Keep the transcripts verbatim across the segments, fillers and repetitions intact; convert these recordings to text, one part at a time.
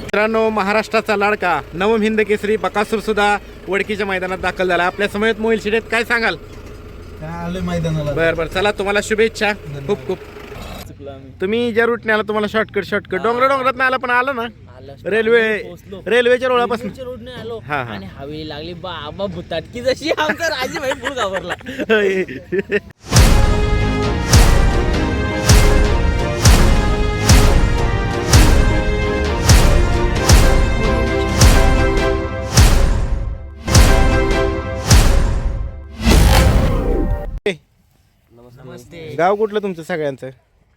मित्रांनो, महाराष्ट्राचा लाडका नवम हिंद केसरी बकासूर सुद्धा वडकीच्या मैदानात दाखल झाला. आपल्या समवेत मोहिल शिडेत, काय सांगाल? आले मैदानाला. बरं बरं, चला तुम्हाला शुभेच्छा खूप खूप. तुम्ही ज्या रूटने आला तुम्हाला शॉर्टकट शॉर्टकट डोंगर डोंगरात नाही आला पण आला ना रेल्वे रेल्वेच्या रोळापासून रोडने आलो हा, हा. आणि हवेली लागली बाबा भुताटकी जशी आमचा राजी भाई फुल घाबरला. नमस्ते. गाव कुठलं तुमचं सगळ्यांचं?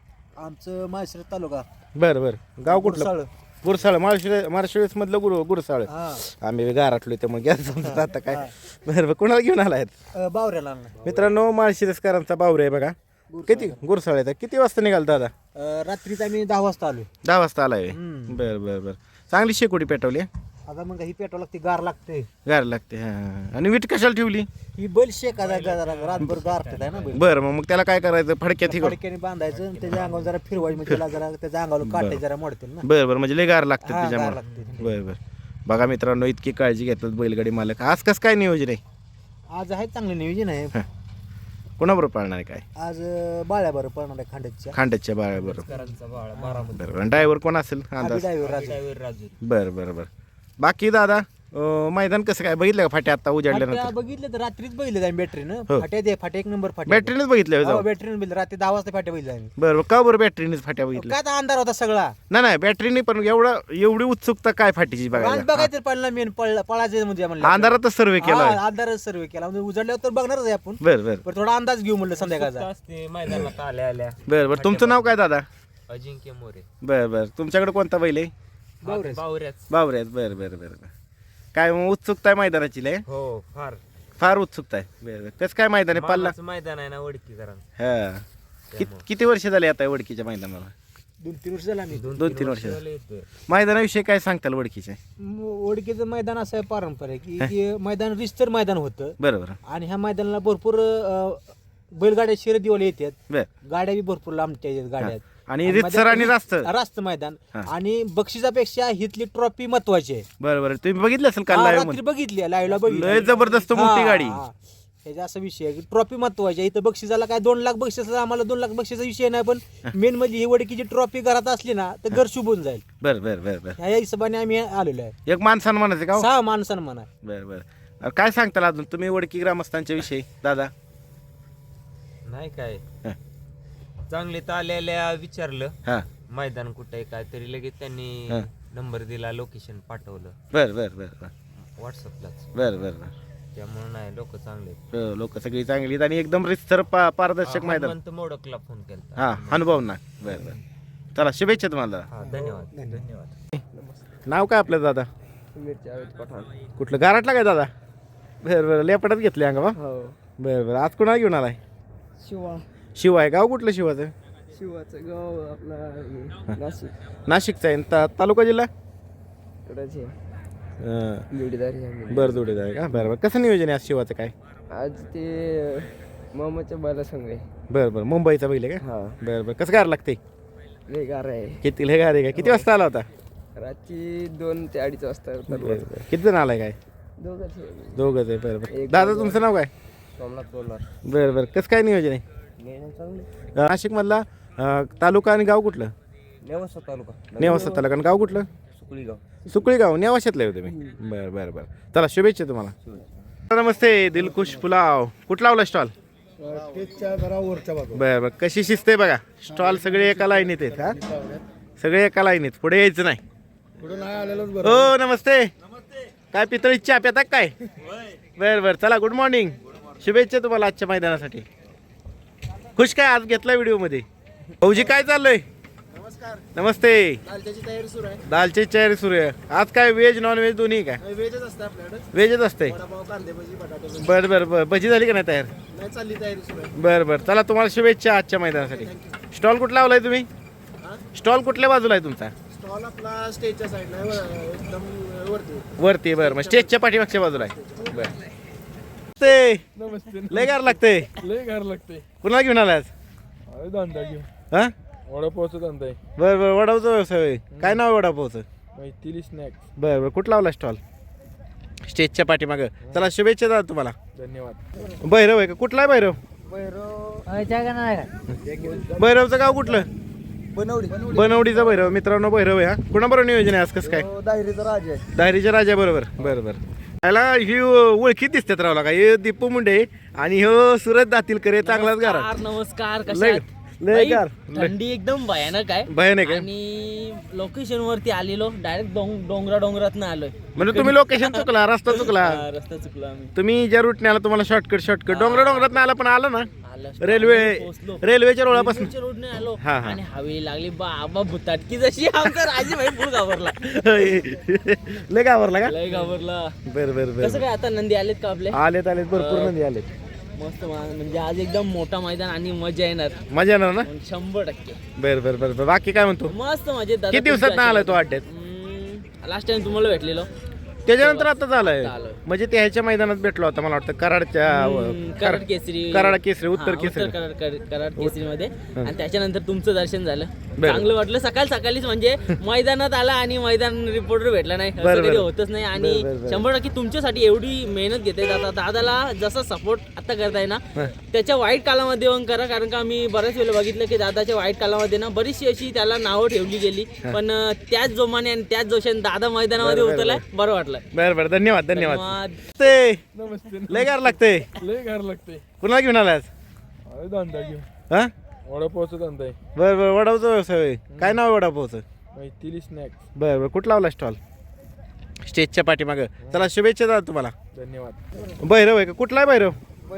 आमचं माहेश्वर तालुका बरं बरं, गाव कुठलं? गुरसाळ. माळशिळ माळशिळस मधलं गुरु गुरसाळ. आम्ही गाराटलो त्यामुळे गॅस समजत आता काय. बरं बरं, कोणाला घेऊन आलायत? बावऱ्याला. मित्रांनो, माळशिरसकरांचा बावरे आहे बघा. किती गुरसाळ आहे? किती वाजता निघाल दादा? रात्रीच आम्ही दहा वाजता आलो. दहा वाजता आलाय. बरं बरं बरं, चांगली शेकोटी पेटवली. आता मग ही पेट्रोल लागते, गार लागते. गार लागते. हा, आणि वीट कशाला ठेवली? ही बैल शेकायचा जरा रातभर गारतात आहे ना बैल. बरं, मग मग त्याला काय करायचं? फडक्यात हिकडं. फडक्याने बांधायचं आणि त्याच्या अंगावर जरा फिरवायचं, म्हणजे त्याला जरा त्याच्या अंगावर काटे जरा मोडतील ना. बरं बरं, म्हणजे लय गार लागतं हा, गार त्याच्यामुळे. लागते. बरं बरं, बघा मित्रांनो, इतकी काळजी घेतात बैलगाडी मालक. आज कसं काय नियोजन आहे? आज आहे चांगलं नियोजन आहे. कोणाबरोबर पाळणार आहे काय? आज बाळ्याबरोबर पळणार आहे खांड्याच्या. खांड्याच्या बाळाबरोबर. करांचा बाळा बारामती. बरं, ड्रायव्हर कोण असेल अंदाज? ड्रायव्हर राजा. ड्रायव्हर राजू. बरं बरं बरं. बाकी दादा, अं, मैदान कसं काय बघितलं का? फाट्या आता फाट्या उजाडल्यानंतर बघितलं तर रात्रीच बघितलं जाईल बॅटरीनं. हो. फाट्या दे फाट्या एक नंबर फाट्या. बॅटरीनेच बघितलं जाऊ? बॅटरीनं बघितलं रात्री दहा वाजता फाट्या बघितलं आम्ही. बरं बरं, का बरं बॅटरीनेच फाट्या बघितल्या? काय आता अंधार होता सगळा. नाही नाही, बॅटरीने पण एवढं एवढी उत्सुकता काय फाटीची आज बघायला? बघायचं पळला मेन पळला पळायचं म्हणजे म्हणलं अंधारातच सर्वे केला. हा, अंधारच सर्व केला म्हणजे उजाडल्यावर तर बघणारच आहे आपण. बरं बरं पण थोडा अंदाज घेऊ म्हणलं संध्याकाळचा. असते मैदानात आल्या आल्या. बरं बरं, तुमचं नाव काय दादा? अजिंक्य मोरे. बरं बरं, तुमच्याकडे कोणता बैल आहे? बावऱ्याच. बावऱ्याच. बाबऱ्यात. बरं बरं बरं बरं. काय मग उत्सुकता आहे मैदानाची? लय हो फार फार उत्सुकता आहे. बरं बरं, कसं काय मैदान आहे? पल्ला. मानाचं मैदान आहे ना वडकी करा. हा, कित- किती वर्ष झाले आता वडकीच्या मैदानाला? दोन तीन वर्ष झाला आम्ही. दोन तीन वर्ष. मैदानाविषयी काय सांगताल वडकीच्या? म- ओळखीचं मैदान असं आहे पारंपरिक की हे मैदान रिस्तर मैदान होतं बरं बरं आणि ह्या मैदानाला भरपूर अं, बैलगाड्या शर्यतीवाले येतात. बरं. गाड्या बी भरपूर लांबच्या येतात गाड्या. आणि रितसर आणि रास्त. रास्त मैदान हा. आणि बक्षिसापेक्षा हिथली ट्रॉफी महत्वाची आहे. बरं बरं, तुम्ही बघितलं असेल काल हा, live रात्री मध्ये? बघितली लाईव्हला बघितली. लय जबरदस्त मोठी हा, गाडी. हा. ह्याचा असा विषय आहे की ट्रॉफी महत्वाची आहे. इथं बक्षिसाला काय दोन लाख बक्षीस आम्हाला दोन लाख बक्षीचा विषय नाही, पण मेन म्हणजे ही वडकीची ट्रॉफी घरात असली ना तर घर शुभून जाईल. बरं बरं बरं बरं, ह्या हिशोबाने आम्ही आलेलो आहे. एक मान सन्मानाचे का हो? सहा मान सन्मान आहे. बरं बरं. अं, काय सांगताल अजून तुम्ही वडकी ग्रामस्थांच्या विषयी दादा? नाही काय हा. चांगले तर आलेल्या विचारलं हा, मैदान कुठे आहे काय तरी लगेच त्यांनी हा. नंबर दिला, लोकेशन पाठवलं बरं बरं बरं बरं व्हॉट्सअपलाच. बरं बरं बरं. त्यामुळे नाही लोक चांगले आहेत. लोक सगळी चांगली आहेत आणि एकदम रितसर पा पारदर्शक मैदान. हनुमंत मोडकला फोन केला. हा, अनुभव ना. बरं बरं, चला शुभेच्छा तुम्हाला. हा धन्यवाद धन्यवाद. नाव काय आपलं दादा? कुठलं गाराटला काय दादा? बरं बरं, लेपटात घेतले अंगा बा. बरं बरं, आज कुणाला घेऊन आलाय? शिवा. शिवा आहे. गाव कुठलं शिवाचं? शिवाचं गाव आपला नाशिक. नाशिकचं आहे. ता- तालुका जिल्हा? कडचे अं, जोडीदार. बरं जोडीदार आहे का? बरं बरं, कसं नियोजन आहे आज शिवाचं काय? आज ते मामाच्या बायला सांग आहे. बरं बरं, मुंबईचा बैल आहे का? हा, बरं बरं, कसं गार लागते? लय गार आहे. किती लय गार आहे का? किती वाजता आला होता? रात्री दोन ते अडीच वाजता. बरं बरं, किती जण आलाय काय? दोघांचे. दोघंच आहे. बरं बरं, एक दादा तुमचं नाव काय? सोमनाथ बोलणार. बरं बरं, कसं काय नियोजन आहे? चांगले. नाशिकमधला अं, तालुका आणि गाव कुठलं? नेवासा तालुका. नेवासा तालुका आणि गाव कुठलं? सुकळी गाव. सुकळी गाव. नेवाशातलं आहे तुम्ही? बरं बरं बरं, चला शुभेच्छा तुम्हाला. नमस्ते, दिलखुश पुलाव. कुठला लावला स्टॉल? स्टेजच्या जरा वरच्या बाजू. बरं बरं, कशी शिस्त आहे बघा. स्टॉल सगळे एका लाईनीत आहेत. हा, सगळे एका लाईनीत, पुढे यायचं नाही. पुढे नाही आलेलोच हो नमस्ते. काय पितळी चहा पिता काय? बरं बरं, चला गुड मॉर्निंग. शुभेच्छा तुम्हाला आजच्या मैदानासाठी. खुश काय आज घेतला व्हिडिओ मध्ये? भाऊजी काय चाललंय? नमस्कार. नमस्ते. दालच्याची तयारी सुरू आहे. दालची तयारी सुरू आहे. आज काय व्हेज नॉन व्हेज दोन्ही काय? वेजच असतं आपल्याकडे. व्हेजच असते. वडापाव, कांदे भजी, बटाटे भजी. बरं बरं बरं, भजी झाली का नाही तयार? नाही चालली तयारी सुरू आहे. बरं बरं, चला तुम्हाला शुभेच्छा आजच्या मैदानासाठी. स्टॉल कुठला लावलाय तुम्ही? स्टॉल कुठल्या बाजूला आहे तुमचा? स्टॉल आपला स्टेजच्या साईडला आहे, एकदम वरती. वरती. बरं, मग स्टेजच्या पाठीमागच्या बाजूला आहे. बरं ते नमस्ते. लय गार लागते. लय गार लागते. कुणाला घेऊन आलाय आज? धंदा घेऊ. हा, वडापावचा धंदा आहे. बरं बरं, वडापावचा व्यवसाय आहे. काय नाव आहे वडापावचं? मैथिली स्नॅक्स. बरं बरं कुठं लावला स्टॉल? स्टेजच्या पाठीमागं. चला शुभेच्छा दादा तुम्हाला. धन्यवाद. भैरव आहे का? कुठला आहे भैरव? भैरवचं गाव कुठलं? बनवली बनवडीचा भैरव. मित्रांनो भैरव आहे हा. कुणाबरोबर नियोजन आहे आज कसं काय? दाहिरीचा राज आहे. दायरीच्या राजा बरोबर. बरं बरं. त्याला ही ओळखीत दिसतात रावला का? हे दीपू मुंडे आणि हो सुरत दातीलकर. चांगलाच गारा. नमस्कार नमस्कार लय कशा आहात? लय बाई, गार. थंडी एकदम भयानक आहे. भयानक आहे. आणि लोकेशन वरती आलेलो डायरेक्ट डोंगरा डोंगरात आलोय. म्हणजे तुम्ही लोकेशन चुकला, रस्ता चुकला. हा, रस्ता चुकला आम्ही. तुम्ही ज्या रूटने आला तुम्हाला शॉर्टकट शॉर्टकट डोंगर डोंगरात आला पण आला ना आलो. रेल्वे पोहोचलो. रेल्वेच्या रोळापासून. रेल्वेच्या रोडने आलो हा, हा. आणि हवेली लागली बाबा भुताटकी जशी आमचा राजी भाई फुल घाबरला. लय घाबरला का? लय घाबरला. बर बर बर. कसं काय आता नंदी आलेत का आपले? आलेत आलेत भरपूर नंदी आलेत. मस्त मा- म्हणजे आज एकदम मोठा मैदान आणि मजा येणार मजा येणार ना? शंभर टक्के. बर बर बर बर. बाकी काय म्हणतो? मस्त मजेत दादा. किती दिवसात ना आलाय तो अड्ड्यात? लास्ट टाइम तुम्हाला भेटलेलो. त्याच्यानंतर आता झालंय आलोय. म्हणजे ते ह्याच्या मैदानात भेटलो होता मला वाटतं कराडच्या हम्म, कराड केसरी. कराड केसरी उत्तर हा, केसरी. कराड कराड- कराड केसरी मध्ये. आणि त्याच्यानंतर तुमचं दर्शन झालं. बरं. चांगलं वाटलं. सकाळ सकाळीच म्हणजे मैदानात आला आणि मैदान रिपोर्टर भेटला नाही असं बरं, कधी बरं. होतच नाही. आणि बरं, बरं, बरं. शंभर टक्के तुमच्यासाठी एवढी मेहनत घेते दादा. दादाला जसा सपोर्ट आता करताय ना हं. त्याच्या वाईट कालामध्ये येऊन करा. कारण का मी बऱ्याच वेळेला बघितलं की दादाच्या वाईट कालामध्ये ना बरीचशी अशी त्याला नावं ठेवली गेली. पण अं, त्याच जोमाने आणि त्याच जोशाने दादा मैदानामध्ये बरं, बरं, उतरलाय. बरं वाटलं. बर बर. धन्यवाद धन्यवाद. धन्यवाद. ते नमस्ते. लय गार लागते. लय गार लागते. कुणाला घेऊन आलास? अरे धंदा घेऊ. हा वडापावचा धंदा आहे. बर बर. वडापावचा व्यवसाय होय. काय नाव आहे वडापावचं? मैथिली स्नॅक्स. बर बर. कुठं लावला स्टॉल? स्टेजच्या पाठीमागं. चला शुभेच्छा दादा तुम्हाला. धन्यवाद. भैरव आहे का? कुठला आहे भैरव?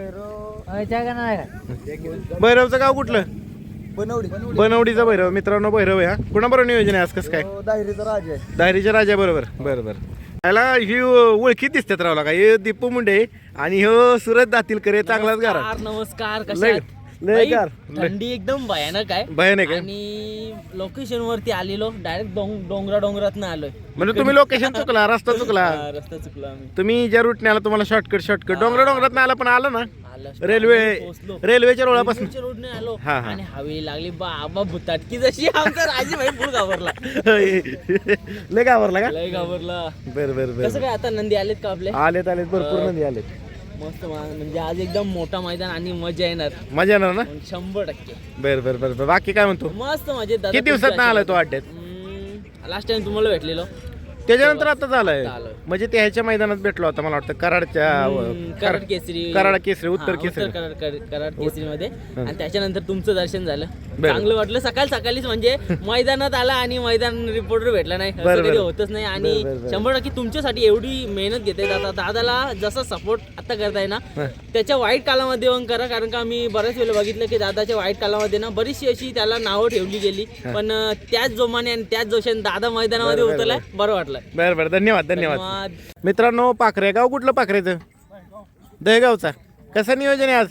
भैरवचं गाव कुठलं? बनवली बनवडीचा भैरव. मित्रांनो भैरव आहे हा. कुणाबरोबर नियोजन आहे आज कसं काय? दाहिरीचा राज आहे. दायरीच्या राजा बरोबर. बरं बरं. त्याला ही ओळखीत दिसतात रावला का? हे दीपू मुंडे आणि हो सुरत दातीलकर. चांगलाच गारा. नमस्कार नमस्कार कशा लय आहात? लय बाई, गार. लय थंडी एकदम भयानक आहे. भयानक आहे. आणि लोकेशन वरती आलेलो डायरेक्ट डोंगरा डोंगरात आलोय. म्हणजे तुम्ही लोकेशन चुकला, रस्ता चुकला. हा, रस्ता चुकला आम्ही. तुम्ही ज्या रूटने आला तुम्हाला शॉर्टकट शॉर्टकट डोंगर डोंगरात आला पण आला ना आलो. रेल्वे पोहोचलो. रेल्वेच्या रोळापासून. रेल्वेच्या रोडने आलो हा, हा. आणि हवेली लागली बाबा भुताटकी जशी आमचा राजी भाई फुल घाबरला. लय घाबरला का? लय घाबरला. बर बर कसं बर. काय आता नंदी आलेत का आपले? आलेत आलेत भरपूर नंदी आलेत. मस्त मा- म्हणजे आज एकदम मोठा मैदान आणि मजा येणार मजा येणार ना? शंभर टक्के. बर बर बर बर. बाकी काय म्हणतो? मस्त मजेत दादा. किती दिवसात ना आलाय तो अड्ड्यात? लास्ट टाइम तुम्हाला भेटलेलो. त्याच्यानंतर आता झालंय आलोय. म्हणजे ते ह्याच्या मैदानात भेटलो होता मला वाटतं कराडच्या हम्म, कराड केसरी. कराड केसरी उत्तर हा, केसरी. कराड कराड- कराड केसरी मध्ये. आणि त्याच्यानंतर तुमचं दर्शन झालं. बरं. चांगलं वाटलं. सकाळ सकाळीच म्हणजे मैदानात आला आणि मैदान रिपोर्टर भेटला नाही असं बरं, कधी बरं. होतच नाही. आणि बरं, बरं, बरं. शंभर टक्के तुमच्यासाठी एवढी मेहनत घेते दादा. दादाला जसा सपोर्ट आता करताय ना हं. त्याच्या वाईट कालामध्ये येऊन करा. कारण का मी बऱ्याच वेळेला बघितलं की दादाच्या वाईट कालामध्ये ना बरीचशी अशी त्याला नावं ठेवली गेली. पण अं, त्याच जोमाने आणि त्याच जोशाने दादा मैदानामध्ये बरं, बरं, उतरलाय. बरं वाटलं. बरं बरं. धन्यवाद धन्यवाद. धन्यवाद. मित्रांनो पाखरे गाव कुठलं पाखरेचं? दहेगावचा. कसं नियोजन आहे आज?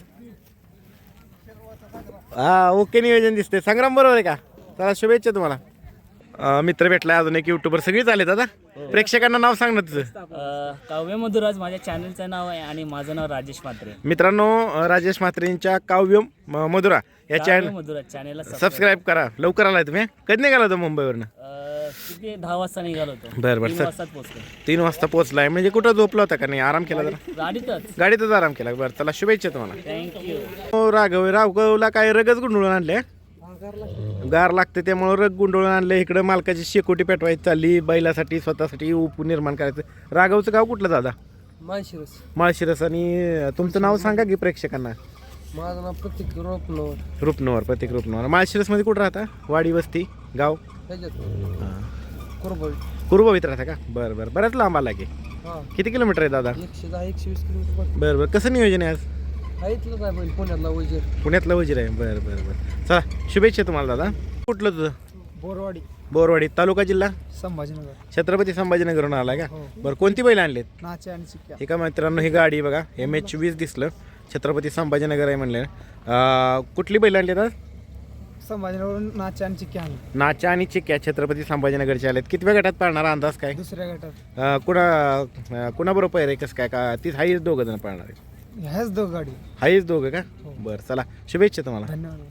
हा ओके नियोजन दिसते. संग्राम बरोबर आहे का? चला शुभेच्छा तुम्हाला. अं, मित्र भेटलाय अजून एक युट्यूबर. सगळीच आले दादा. प्रेक्षकांना नाव सांग ना तुझं. अ, काव्य मधुराज माझ्या चॅनलचं नाव आहे आणि माझं नाव राजेश म्हात्रे. मित्रांनो अं, राजेश म्हात्रेंच्या काव्य म- मधुरा या काव्य चॅनल मधुराज चॅनलला सबस्क्राईब करा. लवकर आलाय तुम्ही. कधी निघाला होता मुंबईवरनं? किती दहा वाजता निघालो होतो. बरं बरं तीन सर. वाजताच पोहोचलो. तीन वाजता पोहोचलाय म्हणजे कुठं झोपला होता का नाही? आराम केला जरा? गाडीतच. गाडीतच आराम केला. बरं चला शुभेच्छा तुम्हाला. थँक्यू. हो राघव राघवला काय रगच गुंडळून आणले? गार लागते त्यामुळे रग गुंडळून आणले. इकडं मालकाची शेकोटी पेटवायची चालली. बैलासाठी स्वतःसाठी उप निर्माण करायचं. राघवचं गाव कुठलं दादा? माळशिरस. माळशिरस. आणि तुमचं नाव सांगा की प्रेक्षकांना. माझं नाव प्रत्येक रोपनवर रुपनवर. प्रत्येक रुपनवर. माळशिरसमध्ये कुठं राहता? वाडी वस्ती गाव? ह्याच्यात कुरबळ. कुरुबावीत राहता का? बरं बरं. बऱ्याच लांब आला की. हा किती किलोमीटर आहे दादा? एकशे दहा एकशे वीस किलोमीटर. बरं बरं. कसं नियोजन आहे आज? हा इथलं काय बैल पुण्यातला वजीर. पुण्यातला वजीर आहे. बरं बरं बरं. चला शुभेच्छा तुम्हाला दादा. कुठलं तुझं? बोरवाडी. बोरवाडी. तालुका जिल्हा? संभाजीनगर. छत्रपती संभाजीनगरहून आला का? हो. बरं कोणती बैल आणलेत? नाचे आणि चिक्क्या. एका मित्रांनो ही गाडी बघा एम एच वीस दिसलं. छत्रपती संभाजीनगर आहे म्हणले. अं, कुठली बैल आणली आता? संभाजीनगरवरून नाचे आणि चिक्क्या आणले. नाचा आणि चिक्क्या छत्रपती संभाजीनगरचे आलेत. कितव्या गटात पाळणार अंदाज काय? दुसऱ्या गटात अं, कुणा अं, कुणाबरोबर पैर आहे कसं काय का? तीच हाईच दोघं जण पाळणार आहे. ह्याच दोघ गाडी. हाईच दोघं का? हो. बरं चला शुभेच्छा तुम्हाला. धन्यवाद.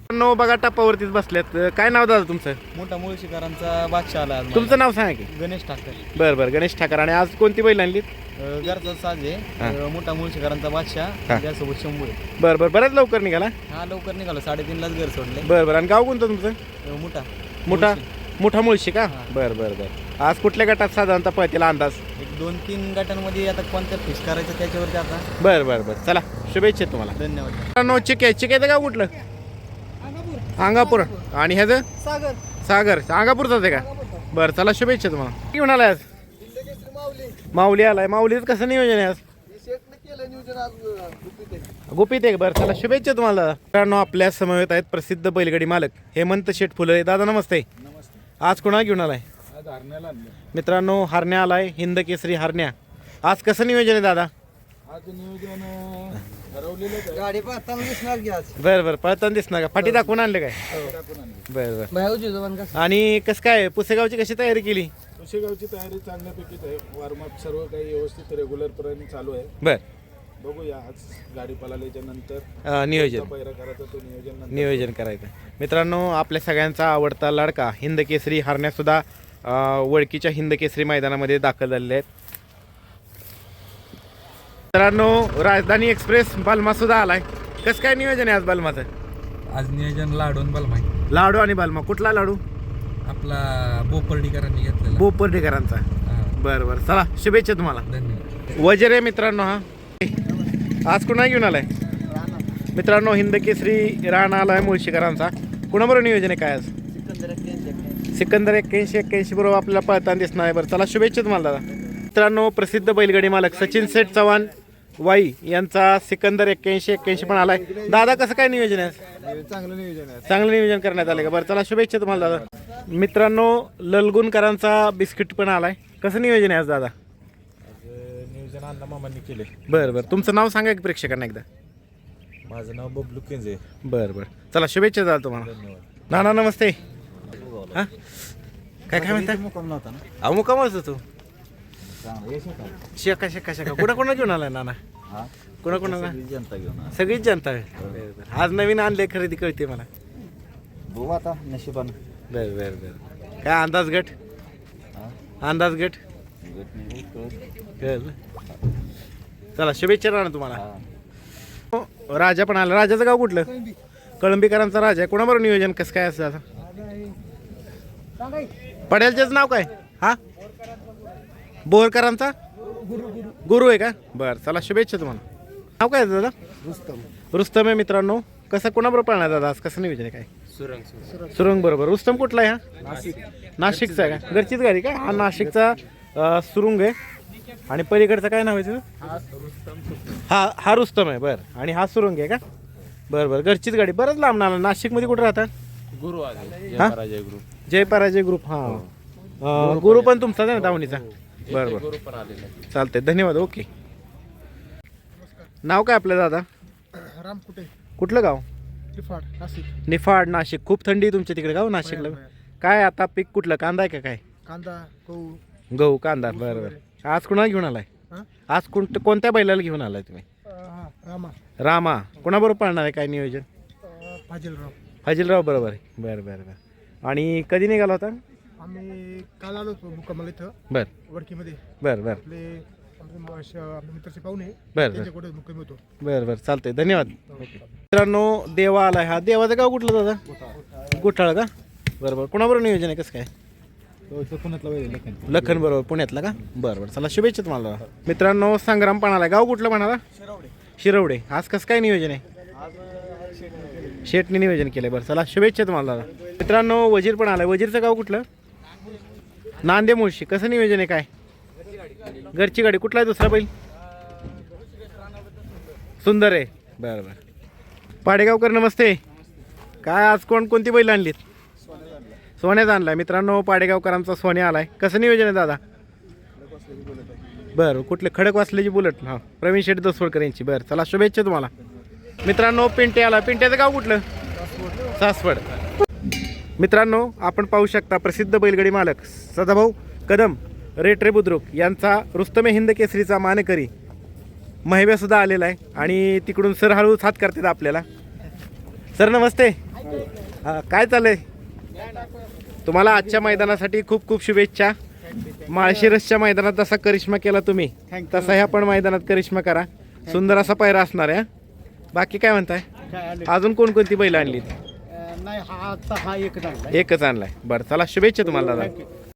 नो बघा टप्पावरतीच बसल्यात. काय नाव दादा तुमचं? मोठा मुळशीकरांचा बादशाह आला आज तुमचं नाव सांगा की. गणेश ठाकर. बरं बरं गणेश ठाकर. आणि आज कोणती बैल आणलीत? घरचा साज आहे. मोठा मुळशीकरांचा बादशाह त्यासोबत शंभू आहे. बरं बरं बऱ्याच लवकर निघाला. हा लवकर निघालो, साडेतीनलाच घर सोडले. बरं बरं. आणि गाव कोणतं तुमचं? मोठा मोठा मोठा मुळशी का? बरं बरं बरं. आज कुठल्या गटात साधारणतः पळतीला अंदाज? एक दोन तीन गटांमध्ये आता कोणत्या फिक्स करायचं त्याच्यावरती आता. बरं बरं बरं. चला शुभेच्छा तुम्हाला. धन्यवाद. नो चिके चिकेचं गाव कुठलं? अंगापूर. आणि ह्याचं? सागर. सागर अंगापूरचाच आहे का? बरं चला शुभेच्छा तुम्हाला. घेऊन आलाय आज? माऊली आलाय. माऊलीच कसं नियोजन आहे आज? गुपित आहे. बरं चला शुभेच्छा तुम्हाला दादा. मित्रांनो आपल्या समवेत आहेत प्रसिद्ध बैलगाडी मालक हेमंत शेठ फुले. दादा नमस्ते. आज कोणा घेऊन आलाय? मित्रांनो हरण्या आलाय, हिंद केसरी हरण्या. आज कसं नियोजन आहे दादा? आज नियोजन ठरवलेलं गाडी पाहताना दिसणार की आज. बरं बरं पळताना दिसणार का? फाटी दाखवून आणले काय? बरं बरं. आणि कसं काय पुसेगावची कशी तयारी केली? पुशेगावची तयारी चांगल्यापैकीच आहे. वॉर्मअप सर्व काही व्यवस्थित रेग्युलरपर्यंत चालू आहे. बरं बघूया आज गाडी पळाल्याच्या नंतर अं, नियोजन पैरा करायचा तो नियोजन नंतर. नियोजन करायचं. मित्रांनो आपल्या सगळ्यांचा आवडता लाडका हिंद केसरी हरण्यासुद्धा वळकीच्या हिंद केसरी मैदानामध्ये दाखल झालेले आहेत. मित्रांनो राजधानी एक्सप्रेस बालमा सुद्धा आलाय. कसं काय नियोजन आहे आज बालमाचं? आज नियोजन लाडू आणि बलमाई. लाडू आणि बालमा. कुठला लाडू? आपला बोपर्डीकरांनी घेतलेला. बोपर्डेकरांचा. बरं बरं चला शुभेच्छा तुम्हाला. धन्यवाद. वजर आहे मित्रांनो हा. आज कुणा घेऊन आलाय? मित्रांनो हिंद केसरी राणा आलाय मुळशीकरांचा. कुणाबरोबर नियोजन आहे काय आज? सिकंदर एक्क्याऐंशी एक्क्याऐंशी बरोबर आपल्याला पळताना दिसणार आहे. बरं चला शुभेच्छा तुम्हाला दादा. मित्रांनो प्रसिद्ध बैलगाडी मालक सचिन सेठ चव्हाण वाई यांचा सिकंदर एक्क्याऐंशी एक्क्याऐंशी पण आलाय. दादा कसं काय नियोजन आहे? चांगलं नियोजन आहे. चांगलं नियोजन करण्यात आलं का? बरं चला शुभेच्छा तुम्हाला दादा. मित्रांनो ललगुणकरांचा बिस्किट पण आलाय. कसं नियोजन आहे आज दादा? नियोजन अण्णा मामांनी केले. बरं बरं. तुमचं नाव सांगा की प्रेक्षकांना एकदा. माझं नाव बबलू केंजे. बरं बरं चला शुभेच्छा दादा तुम्हाला. नाना नमस्ते. हां काय काय म्हणता? अहो मुकामच तू शेका शेका शेका कुणा कोणा घेऊन आलाय नाना? कोणा कोणाला? जनता घेऊन सगळीच जनता आहे. बरं बरं. आज नवीन आणले खरेदी कळते मला. बघू आता नशिबानं. बरं बरं बरं. काय अंदाज गट? अंदाज गट कळलं. चला शुभेच्छा राहणार तुम्हाला. हो, राजा पण आला. राजाचं गाव कुठलं? कळंबीकरांचा राजा आहे. कोणाबरोबर नियोजन कसं काय असं आता? पडेलचेच नाव काय? हा बोरकरांचा गुरु आहे का? बरं चला शुभेच्छा तुम्हाला. नाव काय दादा? रुस्तम. रुस्तम आहे मित्रांनो. कसं कोणाबरोबर पळणार दादा आज? कसं नियोजन आहे काय? सुरंग. सुरंग बरोबर. रुस्तम कुठला आहे हा? नाशिक. नाशिकचा आहे का? घरचीच गाडी का? हा नाशिकचा अं, सुरुंग आहे. आणि पलीकडचं काय नाव आहे तुझं? हा हा रुस्तम आहे. बरं. आणि हा सुरुंग आहे का? बरं बरं. घरचीच गाडी. बरंच लांब नाला. नाशिकमध्ये कुठं राहतात? गुरु आहे. हा? पराजय गुरु. जय पराजय ग्रुप. हां गुरु पण तुमचाच आहे ना दावणीचा? बरं बरं गुरु पण आलेला आहे. चालतंय धन्यवाद. ओके. नाव काय आपलं दादा? राम कुठे? कुठलं गाव? निफाड नाशिक. निफाड नाशिक. खूप थंडी आहे तुमच्या तिकडे गाव नाशिकला. काय आता पीक कुठलं? कांदा आहे का काय? कांदा गहू. गहू कांदा. बरं बरं. आज कुणाला घेऊन आलाय? हा? आज कोण कोणत्या बैलाला घेऊन आलाय तुम्ही? हा रामा. रामा. कोणाबरोबर पळणार आहे काय नियोजन? फाजीलराव. फाजीलराव बरोबर आहे. बरं बरं बरं. आणि कधी निघाला होता? आम्ही काल आलो होतो मुक्कामाला इथं बरं वडकीमध्ये. बरं बरं आपले आमचे म- श- आपले मित्रचे पाहुणे बरं त्यांच्याकडे मुक्कामी होतो. बरं बरं चालतंय धन्यवाद. मित्रांनो देवा आलाय. हा देवाचं गाव कुठलं दादा? गुठाळ का? बरं बरं. कोणाबरोबर नियोजन आहे कसं काय? लखन बरोबर पुण्यातला का? बरं बरं चला शुभेच्छा तुम्हाला. मित्रांनो संग्राम पण आलाय. गाव कुठलं म्हणाला? शिरवडे. आज कसं काय नियोजन आहे? शेटने नियोजन केलंय. बरं चला शुभेच्छा तुम्हाला दादा. मित्रांनो वजीर पण आलाय. वजीरचं गाव कुठलं? नांदे मुळशी. कसं नियोजन आहे काय? घरची गाडी. कुठला आहे दुसरा बैल? सुंदर आहे. बरं बरं. पाडेगावकर नमस्ते. काय आज कोण कोणती बैल आणलीत? सोन्याचा आणलाय. मित्रांनो पाडेगावकरांचा सोन्या आलाय. कसं नियोजन आहे दादा? बरं. कुठले? खडक वाचल्याची बुलेट. हां प्रवीण शेठ दसवडकर यांची. बरं चला शुभेच्छा तुम्हाला. मित्रांनो पिंटे आला. पिंट्याचं गाव कुठलं? सासवड. मित्रांनो आपण पाहू शकता प्रसिद्ध बैलगाडी मालक सदाभाऊ कदम रेटरे बुद्रुक यांचा रुस्तमे हिंद केसरीचा मानकरी महिब्या सुद्धा आलेला आहे. आणि तिकडून सर हळूच हात करतात आपल्याला. सर नमस्ते. हा, काय चाललंय तुम्हाला आजच्या मैदानासाठी खूप खूप शुभेच्छा. माळशिरसच्या मैदानात जसा करिश्मा केला तुम्ही तसा ह्या पण मैदानात करिश्मा करा. सुंदर असा पायरा असणार आहे. बाकी काय म्हणताय, अजून कोणकोणती बैल आणली? नाही हा आता हा एक एकच आणलाय. बरं चला शुभेच्छा तुम्हाला दादा.